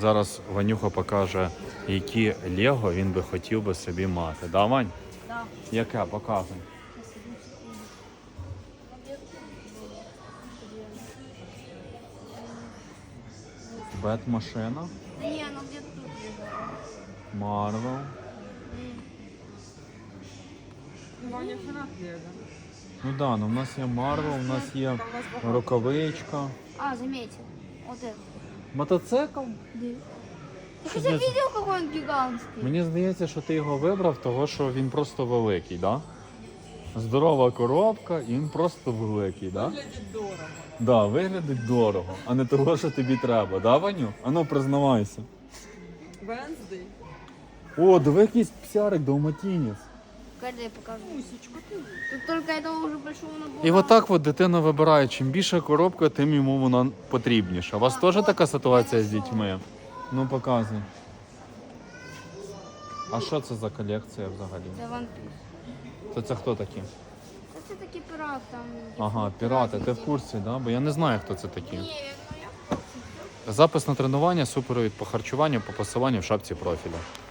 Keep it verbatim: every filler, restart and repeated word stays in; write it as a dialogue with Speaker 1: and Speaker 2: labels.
Speaker 1: Зараз Ванюха покаже, які Лего він би хотів би собі мати. Да, Вань?
Speaker 2: Да.
Speaker 1: Яке? Показуй. Бет-машина,
Speaker 2: Да не, оно где-то тут лежало.
Speaker 1: Марвел.
Speaker 3: Ваня фанат Лего.
Speaker 1: Ну да, ну в нас є Марвел, у нас є рукавичка.
Speaker 2: А, заметил. Вот это.
Speaker 1: Мотоцикл?
Speaker 2: Да. Ты
Speaker 1: Что
Speaker 2: хотя
Speaker 1: за-
Speaker 2: видел, какой он гигантский?
Speaker 1: Мені здається, що ти його вибрав, того що він просто великий, да? Здорова коробка, і він просто великий, да?
Speaker 3: Выглядит дорого.
Speaker 1: Да, виглядить дорого, а не того, що тобі треба, да, Ваню? Ану, признавайся.
Speaker 3: Венсдей.
Speaker 1: О, диви якийсь псярик, далматинець.
Speaker 2: Когда я покажу.
Speaker 3: Мусечка ты.
Speaker 2: Тут только этого уже большого набора.
Speaker 1: І отак от дитина вибирає, чим більша коробка, тим йому вона потрібніша. У вас теж така ситуація з дітьми? Ну, показуй. А що це за колекція взагалі?
Speaker 2: Это One Piece.
Speaker 1: То це хто такі?
Speaker 2: Это такие пираты там.
Speaker 1: Ага, пірати, ти в курсі, да? Бо я не знаю, хто це такі.
Speaker 2: Не, ну я...
Speaker 1: Запис на тренування, супровід по харчуванню, по пасуванню в шапці профіля.